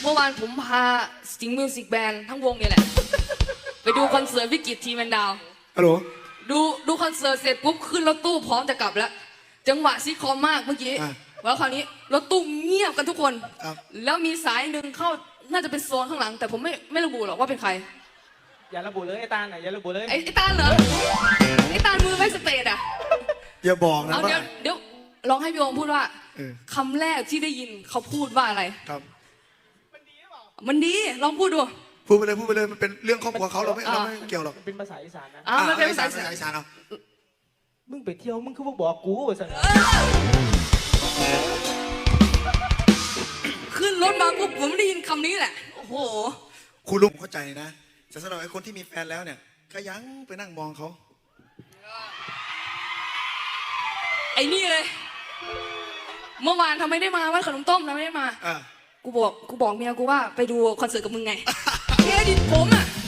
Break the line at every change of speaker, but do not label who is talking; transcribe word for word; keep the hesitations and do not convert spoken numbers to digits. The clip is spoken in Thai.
เมื่อวานผมพาสิงห์มิวสิกแบนด์ทั้งวงเนี่ยแหละไปดูคอนเสิร์ตวิกฤตทีแมนดาว
ฮัลโหล
ดูดูคอนเสิร์ตเสร็จปุ๊บขึ้นรถตู้พร้อมจะกลับแล้วจังหวะซีคอมมากเมื่อกี้แล้วคราวนี้รถตู้เงียบกันทุกคนแล้วมีสายหนึ่งเข้าน่าจะเป็นโซนข้างหลังแต่ผมไม่ไม่ระบุหรอกว่าเป็นใคร
อย่าระบุเลยไอ้ตาลน่ะอย่าระบุเลย
ไอ้ไอ้ตาลเหรอไอ้ตาลมือไม่สเตทอ่ะ
อย่าบอกนะ
เอาเดี๋ยวเดี๋ยวลองให้พี่โอมพูดว่าคำแรกที่ได้ยินเขาพูดว่าอะไร
ครับ
มันดีหรือเปล่ามันดีลองพูดดู
พูดไปเลยพูดไปเลยมันเป็นเรื่องครอบครัวเขาเราไม่เราไม่เกี่ยวหรอก
เป็นภาษาอีสานนะ
อ่ามันเป็นภาษา
อีสานเอา
มึงไปเที่ยวมึงคือบอกกูว่าสัน
ขึ้นรถมาปุ๊บผมได้ยินคำนี้แหละโอ้โห
คุณลุงเข้าใจนะแต่สำหรับไอ้คนที่มีแฟนแล้วเนี่ยก็ยังไปนั่งมองเขา
ไอ้นี่เลยเมื่อวานทำไมได้มาวันขนมต้มทำไมได้มากูบอกกูบอกเมียกูว่าไปดูคอนเสิร์ตกับมึงไงเครดิตผมอ่ะ